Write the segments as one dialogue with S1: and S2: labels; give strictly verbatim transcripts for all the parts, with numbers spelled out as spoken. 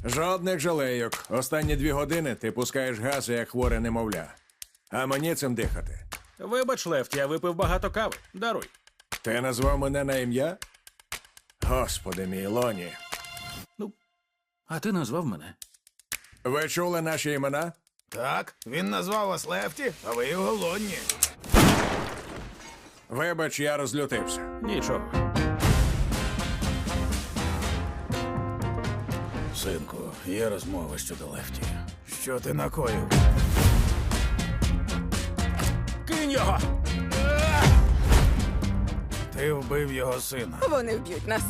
S1: Жодних жалейок. Останні дві години ти пускаєш гази, як хворе немовля. А мені цим дихати.
S2: Вибач, Лефті, я випив багато кави. Даруй.
S1: Ти назвав мене на ім'я? Господи мій, Лоні.
S2: Ну, а ти назвав мене.
S1: Ви чули наші імена?
S3: Так, він назвав вас Лефті, а ви його Лонні.
S1: Вибач, я розлютився.
S2: Нічого.
S3: Синку, є розмова щодо Лефті. Що ти накоїв?
S2: Кинь його!
S3: Ти вбив його сина.
S4: Вони вб'ють нас.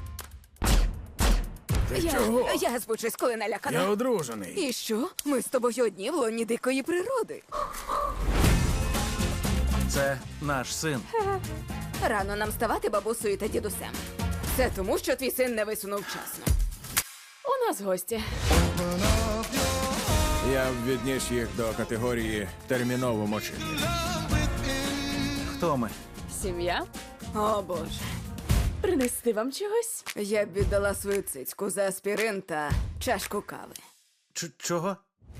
S3: Ти
S4: Я,
S3: чого?
S4: я звучусь, коли налякана.
S3: Я одружений.
S4: І що? Ми з тобою одні в лоні дикої природи.
S2: Це наш син.
S4: Рано нам ставати бабусею та дідусем. Це тому, що твій син не висунув вчасно. У нас гості.
S1: Я б відніс їх до категорії терміново мочити.
S2: Хто ми?
S5: Сім'я?
S4: О, Боже.
S5: Принести вам чогось?
S4: Я б віддала свою цицьку за аспірин та чашку кави.
S2: Ч- чого?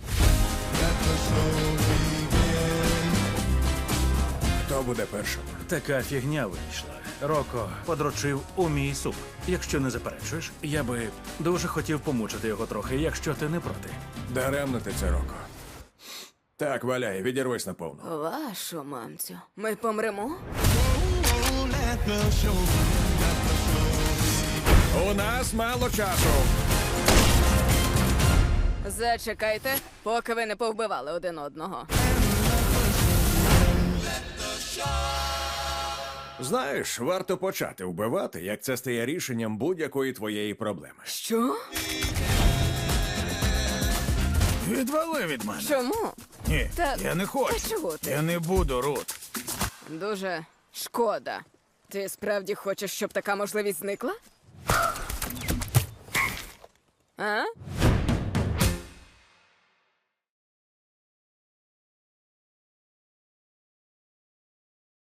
S1: Хто буде першим?
S2: Така фігня вийшла. Роко подрочив у мій суп. Якщо не заперечуєш, я би дуже хотів помучити його трохи, якщо ти не проти.
S1: Даремно ти це, Роко. Так, валяй, відірвись наповну.
S4: Вашу мамцю. Ми помремо?
S1: У нас мало часу.
S4: Зачекайте, поки ви не повбивали один одного.
S1: Знаєш, варто почати вбивати, як це стає рішенням будь-якої твоєї проблеми.
S4: Що?
S3: Відвали від мене.
S4: Чому?
S3: Ні,
S4: Та-
S3: я не хочу.
S4: Та чого ти?
S3: Я не буду, Рут.
S4: Дуже шкода. Ти справді хочеш, щоб така можливість зникла? А?